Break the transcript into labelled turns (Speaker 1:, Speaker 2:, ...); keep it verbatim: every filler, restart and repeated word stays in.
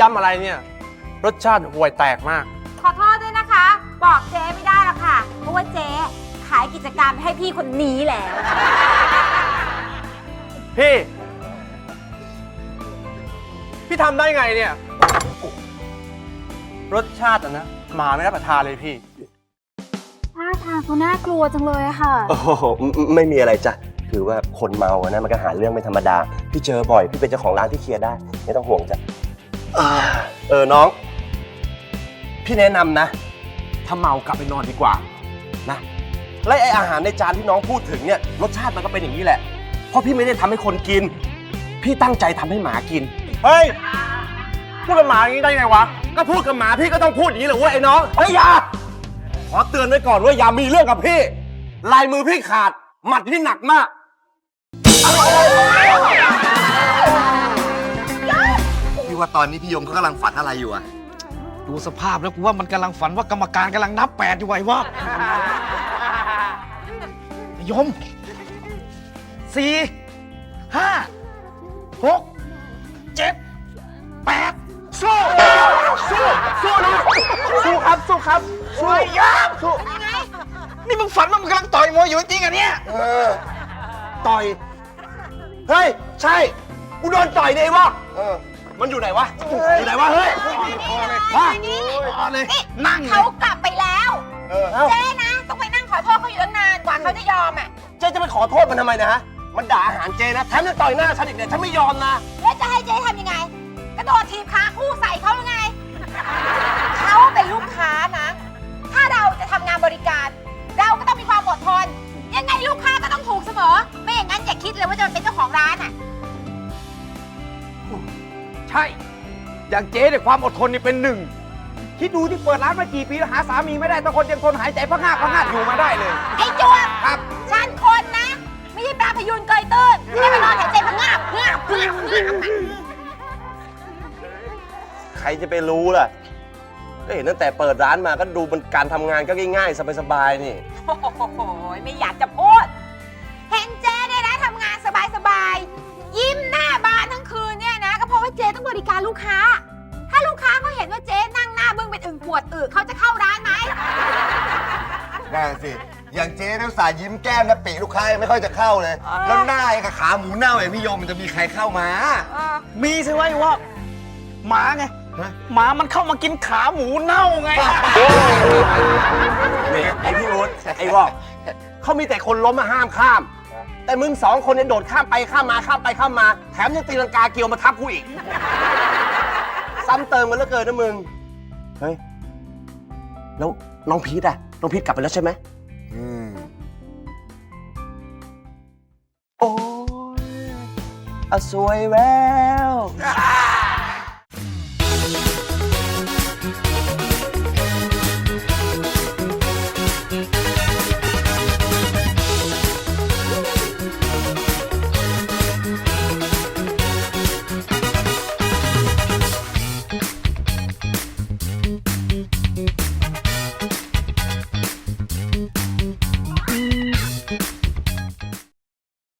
Speaker 1: ยำอะไรเนี่ยรสชาติห่วยแตกมาก
Speaker 2: ขอโทษด้วยนะคะ บอกเจ๊ไม่ได้หรอกค่ะเพราะว่าเจ๊ขายกิจการให้พี่คนนี้แล้ว
Speaker 1: พี่พี่ทำได้ไงเนี่ยรสชาติอะนะหมาไม่รับประทานเลยพี่
Speaker 2: ท่าทางเขาน่ากลัวจังเลยอะค่ะ
Speaker 3: โอ้โหไม่มีอะไรจ้ะคือว่าคนเมาอะนะมันก็หาเรื่องไม่ธรรมดาพี่เจอบ่อยพี่เป็นเจ้าของร้านที่เคลียร์ได้ไม่ต้องห่วงจ้ะเออน้องพี่แนะนำนะถ้าเมากลับไปนอนดีกว่านะและไออาหารในจานที่น้องพูดถึงเนี่ยรสชาติมันก็เป็นอย่างนี้แหละเพราะพี่ไม่ได้ทำให้คนกินพี่ตั้งใจทำให้หมากิน
Speaker 1: เฮ้ยพูดกับหมาอย่างนี้ได้ไงวะก็พูดกับหมาพี่ก็ต้องพูดอย่างนี้เหรอเว้ยไอ้น้อง
Speaker 3: เฮ้ยอย่าขอเตือนไว้ก่อนว่าอย่ามีเรื่องกับพี่ลายมือพี่ขาดหมัดพี่หนักมากพี่ว่าตอนนี้พี่ยงเขากำลังฝันอะไรอยู่อะ
Speaker 4: ดูสภาพแล้วกูว่ามันกำลังฝันว่ากรรมการกำลังนับแปดอยู่ไว้วะยมสี่ห้าหกเจ็ดแปดสู้สู้สู้นะ
Speaker 1: สู้ครับสู้ครับ
Speaker 4: สู้ยามสู้นี่มึงฝันว่ามึงกำลังต่อยมวยอยู่จริงๆอ่ะเนี่ย
Speaker 3: เออต่อยเฮ้ยใช่กูโดนต่อยดิวะเออมันอยู่ไหนวะอยู่ไหนวะเฮ้ย
Speaker 2: พอเลย
Speaker 4: พอเลยนั่ง
Speaker 2: เขากลับไปแล้วเจ๊นะต้องไปนั่งขอโทษเขาอยู่ตั้งนานกว่าเขาจะยอมอ่ะ
Speaker 3: เจ๊จะไปขอโทษมันทำไมนะฮะมันด่าอาหารเจ๊นะแถมยังต่อยหน้าฉันอีกเนี่ยฉันไม่ยอมนะ
Speaker 2: แล้วจะให้เจ๊ทำยังไงกระโดดทีบขาคู่ใส่เขาหรือไงเขาเป็นลูกค้านะถ้าเราจะทำงานบริการเราก็ต้องมีความอดทนยังไงลูกค้าก็ต้องถูกเสมอไม่อย่างนั้นอย่าคิดเลยว่าจะเป็นเจ้าของร้านอ่ะ
Speaker 4: ใช่อย่างเจ๊เนี่ยความอดทนนี่เป็นหนึ่งคิดดูที่เปิดร้านมากี่ปีแล้วหาสามีไม่ได้แต่คนยังทนหายใจพักงาบพักงาบอยู่มาได้เลย
Speaker 2: ไอ้จวบ
Speaker 4: ครับ
Speaker 2: ฉันคนนะไม่ใช่ปลาพยูนเกยตื้นไม่ได้มานอนหายใจพักงาบงาบงาบงาบ
Speaker 3: ใครจะไปรู้ล่ะก็เห็นตั้งแต่เปิดร้านมาก็ดูมันการทำงานก็ง่ายๆสบายๆนี่
Speaker 2: โอ้โหไม่อยากจะพูดเห็นเจ๊เนี่ยนะทำงานสบายๆยิ้มหน้าบานทั้งคืนเนี่ยนะก็เพราะว่าเจ๊ต้องบริการลูกค้าถ้าลูกค้าเขาเห็นว่าเจ๊นั่งหน้าบึ้งเป็นอึ่งปวดอึเขาจะเข้าร้านไหม
Speaker 5: นั่นสิอย่างเจ๊นักสายยิ้มแก้มนะปีลูกค้าไม่ค่อยจะเข้าเลยแล้วหน้ากับขาหมูเน่าอย่างพี่ยมมันจะมีใครเข้ามา
Speaker 4: มีสิวะไอ้วะหมาไงหมามันเข้ามากินขาหมูเน่าไง
Speaker 3: นี่ไอพี่อุ๊ดไอ้วอกเขามีแต่คนล้มมาห้ามข้ามแต่มึงสองคนเนี่ยโดดข้ามไปข้ามมาข้ามไปข้ามมาแถมยังตีลังกาเกี่ยวมาทับกูอีกซ้ำเติมกันเหลือเกินนะมึงเฮ้ยแล้วน้องพีทอะน้องพีทกลับไปแล้วใช่ไหมอืมโอ้ยอสวยแวว